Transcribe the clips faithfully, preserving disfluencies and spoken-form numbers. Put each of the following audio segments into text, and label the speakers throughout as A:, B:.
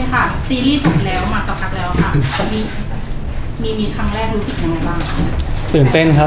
A: ค่ะซีรีส์จบแล้วมาสักพักแล้วค่ะมีมีมีครั้งแรกรู้สึกยังไงบ้าง
B: ตื่นเต้นครับ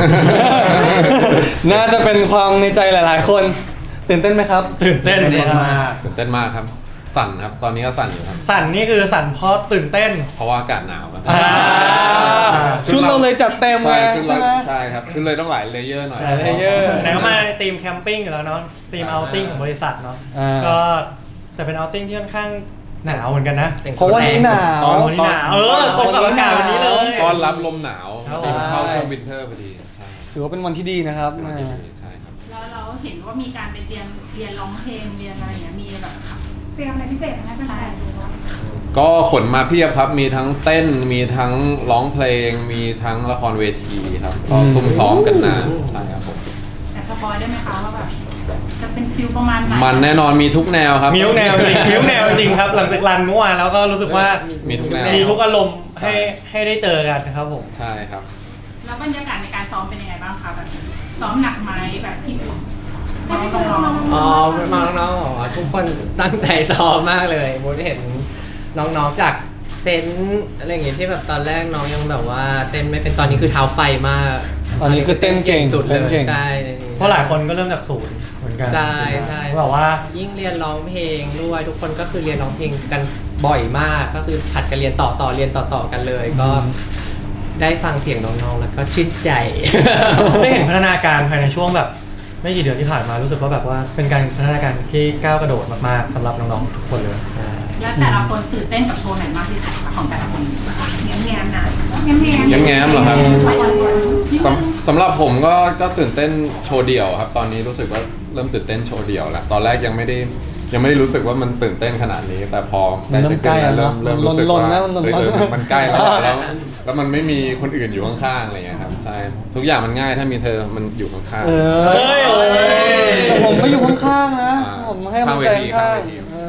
B: น่าจะเป็นความในใจหลายๆคนตื่นเต้นไหมครับ
C: ตื่นเต้นมาก
D: ตื่นเต้นมากครับสั่นครับตอนนี้ก็สั่นอยู่ครับ
C: สั่นนี่คือสั่นเพราะตื่นเต้น
D: เพราะว่าอากาศหนาวครับ
B: ชุดเราเลยจัดเต็มไงใช่ไหม
D: ใช่ครับชุดเลยต้องหลายเลเยอร์หน่อย
B: หลายเลเยอร์
C: ไหนก็มาทีมแคมปิ้งอยู่แล้วเนาะทีมเอาติ้งของบริษัทเนาะก็แต่เป็นเอาติ้งที่ค่อนข้างหนาวเหมือนกันนะ
B: เพราะวันนี้หนาว
C: วันนี้หนาวเออตรงกับอากาศวันนี้เลย
D: ต้อนรับลมหนาวเข้าช่วงวินเทอร์พอดี
B: ถือว่าเป็นวันที่ดีนะครับ
D: ใช่ครับ
A: แล้วเราเห็นว่ามีการไปเรียนเรียนร้องเพลงเรียนอะไรอย่างเงี้ยมีแบบ
E: เตรียมอะไรพิเศษไหมใช่
D: ก็ขนมาเพียบครับมีทั้งเต้นมีทั้งร้องเพลงมีทั้งละครเวทีครับก็ซุ่มซ้อมกันนานใช่ครับผม
A: แต่สปอยได้ไหมคะว่าแบบจะเป็นฟิลประมาณไหน
D: มันแน่นอนมีทุกแนวครับ
C: มีทุกแนวจริงมีทุกแนวจริงครับหลังจากรันเมื่อวานแล้วก็รู้สึกว่า
D: มีทุกแนว
C: มีทุกอารมณ์ให้ให้ได้เจอกันครับผม
D: ใช่ครับ
A: แล้วบรรยากาศในการซ้อมเป็นยังไงบ้างคะแบบซ้อมหนักไหมแบบที่
F: อ๋อมาน้องๆอ๋อทุกคนตั้งใจซ้อมมากเลยมุดเห็นน้องๆจากเซนอะไรอย่างเงี้ยที่แบบตอนแรกน้องยังแบบว่าเต้นไม่เป็นตอนนี้คือเท้าไฟมาก
B: ตอนนี้คือเต้นเก่ง
F: สุดเลยใช่
C: เพราะหลายคนก็เริ่มจากศูนย์เหมือนกัน
F: ใช่ใช่
C: แบบว่า
F: ยิ่งเรียนร้องเพลงด้วยทุกคนก็คือเรียนร้องเพลงกันบ่อยมากก็คือผัดกันเรียนต่อต่อเรียนต่อต่อกันเลยก็ได้ฟังเสียงน้องๆแล้วก็ชื่นใจ
C: ได้เห็นพัฒนาการภายในช่วงแบบไม่กี่เดือนที่ผ่านมารู้สึกว่าแบบว่าเป็นการพัฒนาการที่ก้าวกระโดดมากๆสำหรับน้องๆทุกคนเลย
F: ใช่
A: แล้วแต่ละคนตื่นเต้นกับโชว์ไหนมากที่สุดของแต่ละคนแง้มแง้มนะแง้มแง้ม
D: แง้มแง้มเหรอครับสำหรับผมก็ก็ตื่นเต้นโชว์เดี่ยวครับตอนนี้รู้สึกว่าเริ่มตื่นเต้นโชว์เดี่ยวแล้วตอนแรกยังไม่ได้ยังไม่ได้รู้สึกว่ามันตื่นเต้นขนาดนี้แต่พอได้จะขึ้นเริ่มเริ่มรู้สึกว่ามันใกล้แล้วแล้วแล้วมันไม่มีคนอื่นอยู่ข้างๆอะไรเงี้ยครับใช่ทุกอย่างมันง่ายถ้ามีเธอมันอยู่ข้าง
B: ๆเฮ้ยผมก็อยู่ข้างๆนะผมให้กำลังใจข้าง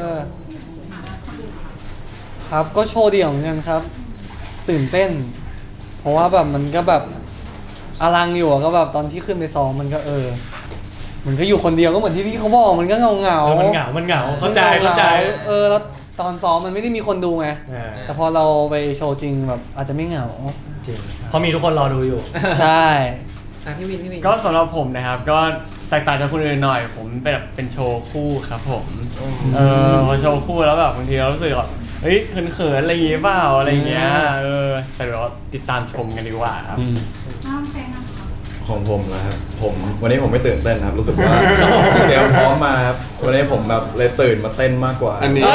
B: ๆครับก็โชว์เดี่ยวเหมือนกันครับตื่นเต้นเพราะว่าแบบมันก็แบบอลังอยู่ก็แบบตอนที่ขึ้นไปซ้อมมันก็เออมันก็อยู่คนเดียวก็เหมือนที่พี่เขาบอกมันก็เงาเงา
C: มันเหงามันเหงาเข้าใจเข้าใจ
B: เออแล้วตอนซ้อมมันไม่ได้มีคนดูไงแต่พอเราไปโชว์จริงแบบอาจจะไม่เหงา
C: จริงเพราะมีทุกคนรอดูอยู่
B: ใช่
F: พี่วินพี่วิน
G: ก็สำหรับผมนะครับก็แตกต่างจากคนอื่นหน่อยผมเป็นแบบเป็นโชว์คู่ครับผมเออพอโชว์คู่แล้วแบบบางทีเรารู้สึกแบบเฮ้ยเขินๆอะไรอย่างเงี้ยเปล่าอะไรอย่างเงี้ยเออแต่เดี๋ยวติดตามชมกันดีกว่าครับ
A: น้องแซงนะ
H: ของผมนะครับผมวันนี้ผมไม่ตื่นเต้นครับรู้สึกว่าเดี๋ยวพร้อมมาครับวันนี้ผมแบบเลยตื่นมาเต้นมากกว่า
D: อันนี้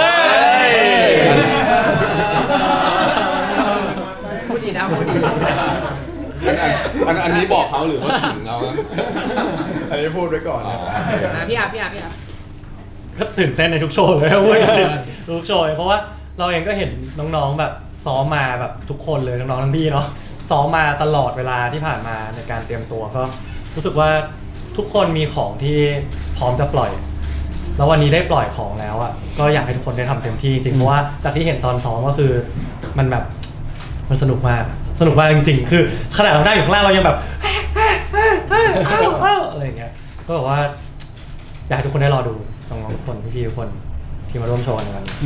F: พูดดีนะพูดดี
D: อันอันนี้บอกเขาหรือว่าถึงเรา
H: อันนี้พูดไว้ก่อนนะ
F: พี่อาพี่อาพี่อา
C: ก็ตื่นเต้นในทุกโชว์เลยพูดจริงทุกโชว์เพราะว่าเราเองก็เห็นน้องๆแบบซ้อมมาแบบทุกคนเลยน้องๆทั้งพี่เนาะซ้อมมาตลอดเวลาที่ผ่านมาในการเตรียมตัวก็รู้สึกว่าทุกคนมีของที่พร้อมจะปล่อยแล้ววันนี้ได้ปล่อยของแล้วอ่ะก็อยากให้ทุกคนได้ทำเต็มที่จริงเพราะว่าจากที่เห็นตอนซ้อมก็คือมันแบบมันสนุกมากสนุกมากจริงๆคือขนาดเราได้อยู่ข้างล่างเรายังแบบอะไรอย่างเงี้ยก็บอกว่าอยากให้ทุกคนได้รอดูน้องๆทุกคนพี่ๆทุกคนที่มาร่วมโชว์ในวันนี้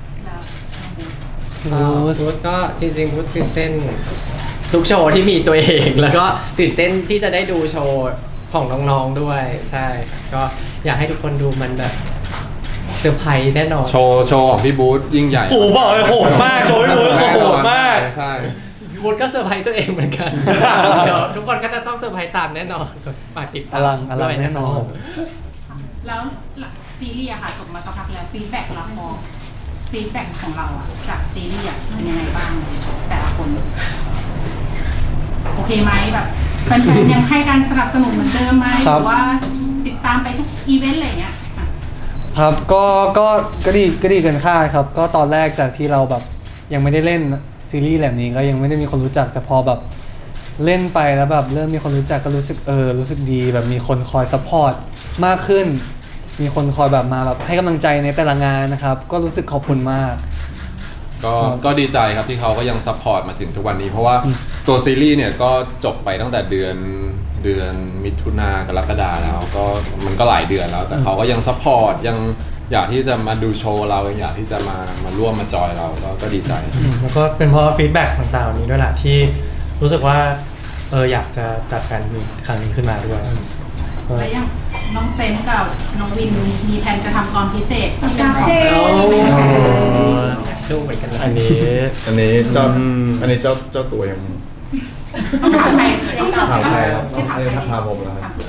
F: พุทธก็จริงๆพุทธตื่นเต้นทุกโชว์ที่มีตัวเองแล้วก็ตื่นเต้นที่จะได้ดูโชว์ของน้องๆด้วยใช่ก็อยากให้ทุกคนดูมันแบบเซอร์ไพรส์แน่นอน
D: โชว์โชว์ของพี่บูธยิ่งใหญ่
C: โหบอกเลยโหดมากโชว์พี่บูธโหดมาก
D: ใช่
F: บูธก็เซอร์ไพรส์ตัวเองเหมือนกันเดี๋ยวทุกคนก็จะต้องเซอร์ไพรส์ตามแน่นอนฝากติดตาม
B: อลังอลังแน่นอน
A: แล้วซีรีส์อะค่ะจบมาสักพักแล้วฟีดแบ็กรับมองฟีดแบ็กของเราอะจากซีรีส์เป็นยังไงบ้างแต่ละคนโอเคไหมแบบแฟนๆยังให้การสนับสนุนเหมือนเดิมไหมหรือว่าติดตามไปทุกอีเวนต์อะไรเงี้ย
B: ครับก็ก็ก็ดีก็ดีเกินคาดครับก็ตอนแรกจากที่เราแบบยังไม่ได้เล่นซีรีส์แบบนี้ก็ยังไม่ได้มีคนรู้จักแต่พอแบบเล่นไปแล้วแบบเริ่มมีคนรู้จักก็รู้สึกเออรู้สึกดีแบบมีคนคอยซัพพอร์ตมากขึ้นมีคนคอยแบบมาแบบให้กำลังใจในแต่ละงานนะครับก็รู้สึกขอบคุณมาก
D: ก็ก็ดีใจครับที่เขาก็ยังซัพพอร์ตมาถึงทุกวันนี้เพราะว่าตัวซีรีส์เนี่ยก็จบไปตั้งแต่เดือนเดือนมิถุนากรกฎาแล้วก็มันก็หลายเดือนแล้วแต่เขาก็ยังซัพพอร์ตยังอยากที่จะมาดูโชว์เราอยากที่จะมามาร่วมมาจอยเราก็ก็ดีใจ
C: แล้วก็เป็นเพราะฟีดแบ็กต่างๆนี้ด้วยแหละที่รู้สึกว่าเอออยากจะจัดแฟนมีตครั้งนี้ขึ้นมาด้วย
A: แล้วอย่างน้องเซนกับน้องวินมีแผนจะทำตอนพิเศษที่เป็นของ
E: เจ
F: โอ้
E: น
F: ดูเหมือนกันเลย
G: อันนี้
H: อันนี้เจ้า
G: อืม
H: อันนี้เจ้าเจ้าตัวยัง
A: ต้องถามใครต้อง
H: ถามใครครับ
A: ไม่ถาม
H: อันนี้
A: ใคร
H: ถามผมแล้วครับ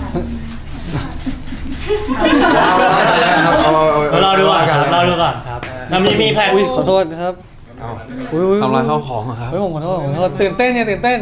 A: ถามผู้ชาย
H: เอาเอาเอาเอา
C: เรารอดูก่อนครับ
H: เา
C: รอดูก่อนครับแล้วมีมีแผน
B: อุ้ยขอโทษครับ
D: เอ้า
B: อุ้ยอุ้ย
D: ทำลายข้าวของเหรอครับ
B: เฮ้ยผมขอโทษผมขอโทษตื่นเต้นเนี่ยตื่นเต้น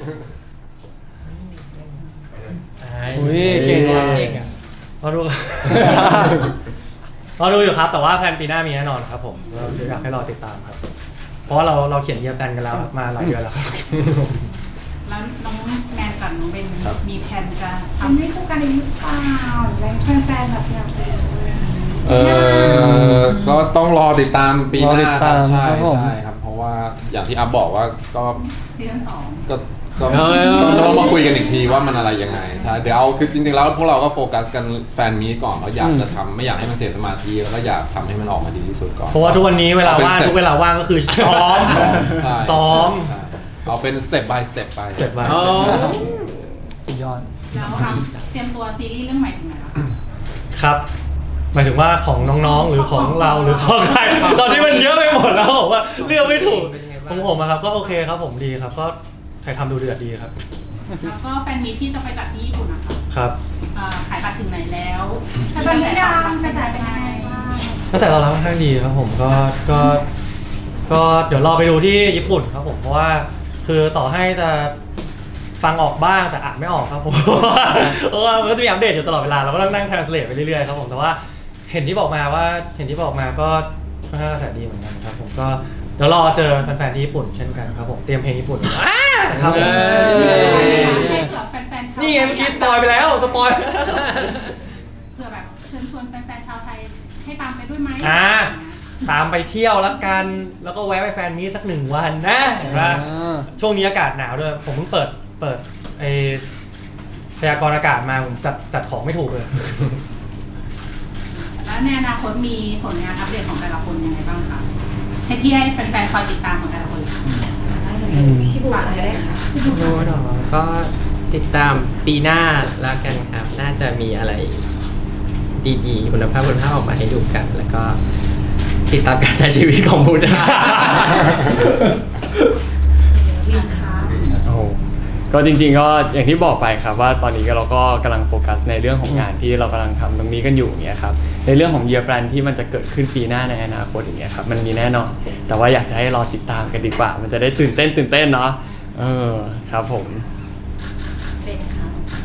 B: อุ้ยเก่งว่ะ
F: เก่งอ่ะ
C: รอดูก่อน รอดูอยู่ครับแต่ว่าแผนปีหน้ามีแน่นอนครับผมเราอยากให้รอติดตามครับ เพราะว่าเราเราเขียนเยียร์แพลนกันแล้วมาหลายเดือนแล้วครับ
A: แล้วน้องแมนกับน้องเบนมีแผนจะ
E: ทำ
A: ทำ
E: ให้คู่กันอีกหรือเปล่าหรืออะไรแฟนๆแบบอยากดูเลย
D: เออก็ต้องรอติดตามปีหน้าร
B: อติด
D: ค
B: ตา
D: รับ
B: ม
D: ใช่
B: ครับผม
D: ใช่ครับ เพราะว่าอย่างที่อัพบอกว่าก็
A: ซีซั่นสอง
D: ก็ก็ต้องต้องมาคุยกันอีกทีว่ามันอะไรยังไงใช่เดี๋ยวเอาคือจริงๆแล้วพวกเราก็โฟกัสกันแฟนมีตก่อนเราอยากจะทำไม่อยากให้มันเสียสมาธิแล้วก็อยากทำให้มันออกมาดีที่สุดก่อน
C: เพราะว่าทุกวันนี้เวลาว่างทุกเวลาว่างก็คือซ้อม
D: ใช่
C: ซ้อม
D: ใช่เอาเป็นสเต็ป by สเต็ปไป
C: สเต็ปบาย
F: อ๋อ
B: สุดยอด
A: แล้วอ่ะเตรียมตัวซีรีส์เรื่องใหม่ถึงไหนแล้ว
C: ครับหมายถึงว่าของน้องๆหรือของเราหรือของใครตอนนี้มันเยอะไปหมดแล้วผมว่าเลือกไม่ถูก
F: เป็นยังไงบ้าง
C: ของผมอะครับก็โอเคครับผมดีครับก็ใครทำดูเดือดดีครับ
A: แล้วก็แฟนมีตที่จะไปจัดที่ญี่ปุ่นนะคะ
C: ครับ
A: อ่าขายบัตรถึงไหนแล้ว
E: แต่ตอนนี้ยังกระแสเป็นยังไงบ้าง
C: กระแสตอบรับค่อนข้างดีครับผมก็ก็ก็เดี๋ยวรอไปดูที่ญี่ปุ่นครับผมเพราะว่าคือต่อให้จะฟังออกบ้างแต่อ่านไม่ออกครับผม เพราะว่ามันก็จะมีอัปเดตอยู่ตลอดเวลาเราก็ต้องนั่ง translate ไปเรื่อยๆครับผมแต่ว่าเห็นที่บอกมาว่าเห็นที่บอกมาก็ค่อนข้างกระแสดีเหมือนกันครับผมก็เดี๋ยวรอเจอแฟนๆที่ญี่ปุ่นเช่นกันครับผมเตรียมเพลงญี่ปุ่นอ่าครับผม
F: เย้
A: ให้เผื่อแฟนๆชาว
C: นี่ไงเมื่อกี้สปอยไปแล้วสปอย
A: เผื่อแบบเชิญชวนแฟนๆชาวไทยให้ตามไปด้วยไหม
C: อ่า ตามไปเที่ยวแล้วกันแล้วก็แวะไปแฟนมีตสักหนึ่งวันนะเห็นปะ
B: อ่า
C: ช่วงนี้อากาศหนาวด้วยผมเพิ่งเปิดเปิดไอพยากรณ์อากาศมาผมจัดจัดของไม่ถูกเลย
A: แล้วในอนาคตมีผลงานอัปเดตของแต่ละคนยังไงบ้างคะให้พี่ให้แฟนๆคอยติดตามของแต่ละคนเลยค่ะ
E: พี่บุ๋มก็ได้ค่ะ
F: โน้ตหรอก็ติดตามปีหน้าแล้วกันครับ น่าจะมีอะไรดีๆคุณภาพคุณภาพออกมาให้ดูกัน แล้วก็ติดตามการใช้ชีวิตของพุทธะ
E: วินคะ
G: โอ้โหก็จริงๆก็อย่างที่บอกไปครับว่าตอนนี้ก็เราก็กำลังโฟกัสในเรื่องของงานที่เรากำลังทำตรงนี้กันอยู่อย่างเงี้ยครับในเรื่องของ year plan ที่มันจะเกิดขึ้นปีหน้าในอนาคตอย่างเงี้ยครับมันมีแน่นอนแต่ว่าอยากจะให้รอติดตามกันดีกว่า มันจะได้ตื่นเต้นตื่นเต้นเนาะเออครับผม
E: เป็นค่ะ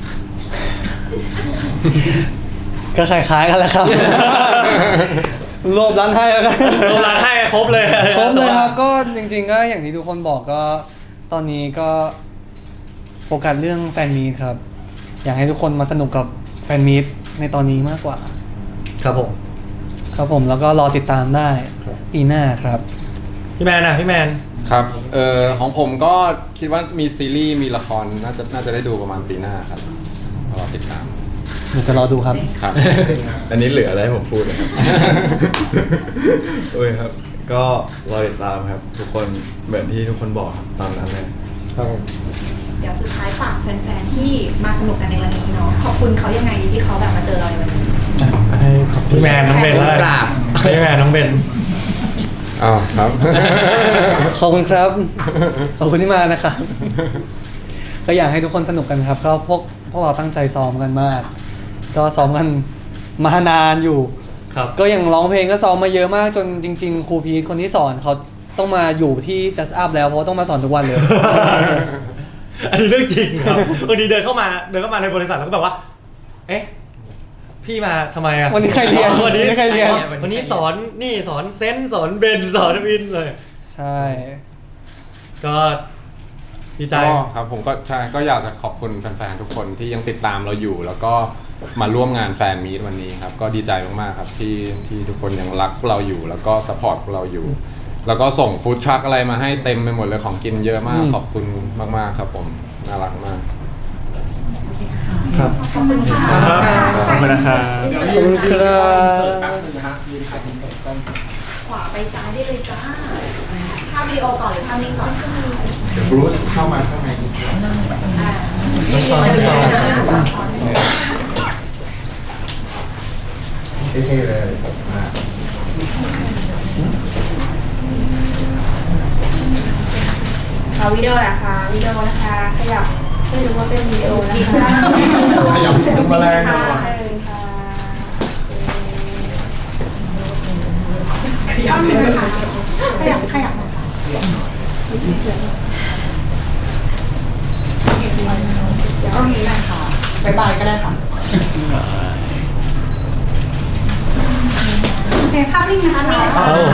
B: ก็คล้ายๆกันแหล้วครับ รวบรันให้แล้วกัน
C: รวมร้านให้ครบเลย
B: ครบเลยครับก็จริงๆก็อย่างที่ทุกคนบอกก็ตอนนี้ก็โฟกัสเรื่องแฟนมีตครับ อยากให้ทุกคนมาสนุกกับแฟนมีตในตอนนี้มากกว่า
C: ครับผม
B: ครับผมแล้วก็รอติดตามได้ปีหน้าครับ
C: พี่แมนนะพี่แมน
D: ครับเอ่อของผมก็คิดว่ามีซีรีส์มีละครน่าจะน่าจะได้ดูประมาณปีหน้าครับรอติดตาม
B: เดี๋ยวจะรอดูครับ
D: ครับ
H: อันนี้เหลืออะไรให้ผมพูดนะครับ โอ้ยครับ ก็รอติดตามครับ ทุกคนเหมือนที่ทุกคนบอกครับตามนั้นเลย
C: ครับผม
E: เดี๋ยวสุดท้ายฝากแฟนๆที่มาสนุกกันในวันนี้เนาะขอบคุณเขายังไงดีที่เขาแบบมาเจอเราในวันนี้
C: ให้พี่แมนน้องเบนแล้ว
F: กราบ
C: พี่แมนน้องเบน
D: อ้าวครับ
B: ขอบคุณครับ ขอบคุณที่มานะครับ ก็อยากให้ทุกคนสนุกกันครับ ก็พวกพวกเราตั้งใจซ้อมกันมาก ก็ซ้อมกันมานานอยู่
C: ครับ
B: ก็อย่างร้องเพลงก็ซ้อมมาเยอะมากจนจริง ๆ ครูพีทคนที่สอนเขาต้องมาอยู่ที่ Just Up แล้วเพราะว่าต้องมาสอนทุกวันเลย
C: อันนี้เรื่องจริงครับบางทีเดินเข้ามาเดินเข้ามาในบริษัทแล้วก็แบบว่า เอ๊ะพี่มาทำไมอะ
B: วันนี้ใครเรียน
C: วันนี้
B: วันนี้ใครเรียน
C: วันนี้สอนนี่สอนเซนส์สอนเบนสอนวินเลย
B: ใช่
C: ก็ดีใจ
D: ก็ครับผมก็ใช่ก็อยากจะขอบคุณแฟนๆทุกคนที่ยังติดตามเราอยู่ แล้วก็มาร่วมงานแฟนมีตวันนี้ครับ ก็ดีใจมากๆครับที่ที่ทุกคนยังรักเราอยู่ แล้วก็สปอร์ตเราอยู่ แล้วก็ส่งฟู้ดทรัคอะไรมาให้เต็มไปหมดเลยของกินเยอะมาก
B: อืม
D: ขอบคุณมากๆครับผมน่ารักมาก
C: ครับ
E: ขอบคุณค่ะ
C: ขอบคุณนะครับ
B: ขอบคุณครับ
E: ขวาไปซ้ายได้เลยจ้าภาพวิดีโอก่อนหรือภาพนิ่งก่อน
H: เดี๋ยวบรูซเข้ามาข้างใน
E: อ่า
C: ต้องซ้อนต้องซ้อน
H: เท่ๆเลยมา
E: ขอวิดีโอนะคะวิดีโอนะคะขยับไม่รู้ว่าเป็นวิดีโอนะคะ
H: ขยับถึงมาแรง
E: ค่ะ
H: นะ
E: เออค่ะ
A: ขยับเลยค่ะขยับขยับโอเคนะคะบ๊ายบายก็ได้ค่ะโอเคภาพนิ่งนะคะ
C: ครับผม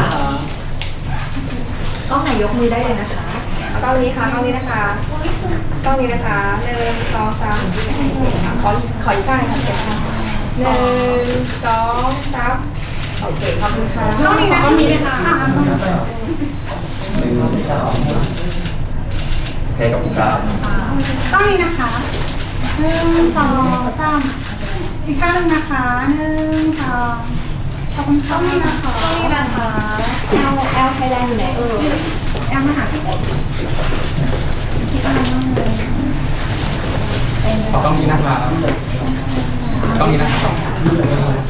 E: กล้องไหนยกมือได้เลยนะคะเอากล้องนี้ค่ะกล้องนี้นะคะกล้องนี้นะคะหนึ่งสองสามขออีกขออีกข้างหนึ่งค่ะเก็บค่ะหนึ่งสองสามโอเคขอบคุณค่ะ
A: กล้องนี้นะกล้องนี้เลยค่ะ
G: ให้กับครับ
A: กล้องนี้นะคะหนึ่งสองสามอีกข้างหนึ่งนะคะหนึ่งสองขอบคุณค่ะกล้องนี้นะคะ
E: กล้องนี้นะคะแอลแอลไทยแลนด์อยู่ไหนเออ
A: แอมมาหาพี่คิดอะไรบ้างเลย
F: ขอกล้องนี้นะครับกล้องนี้นะครับ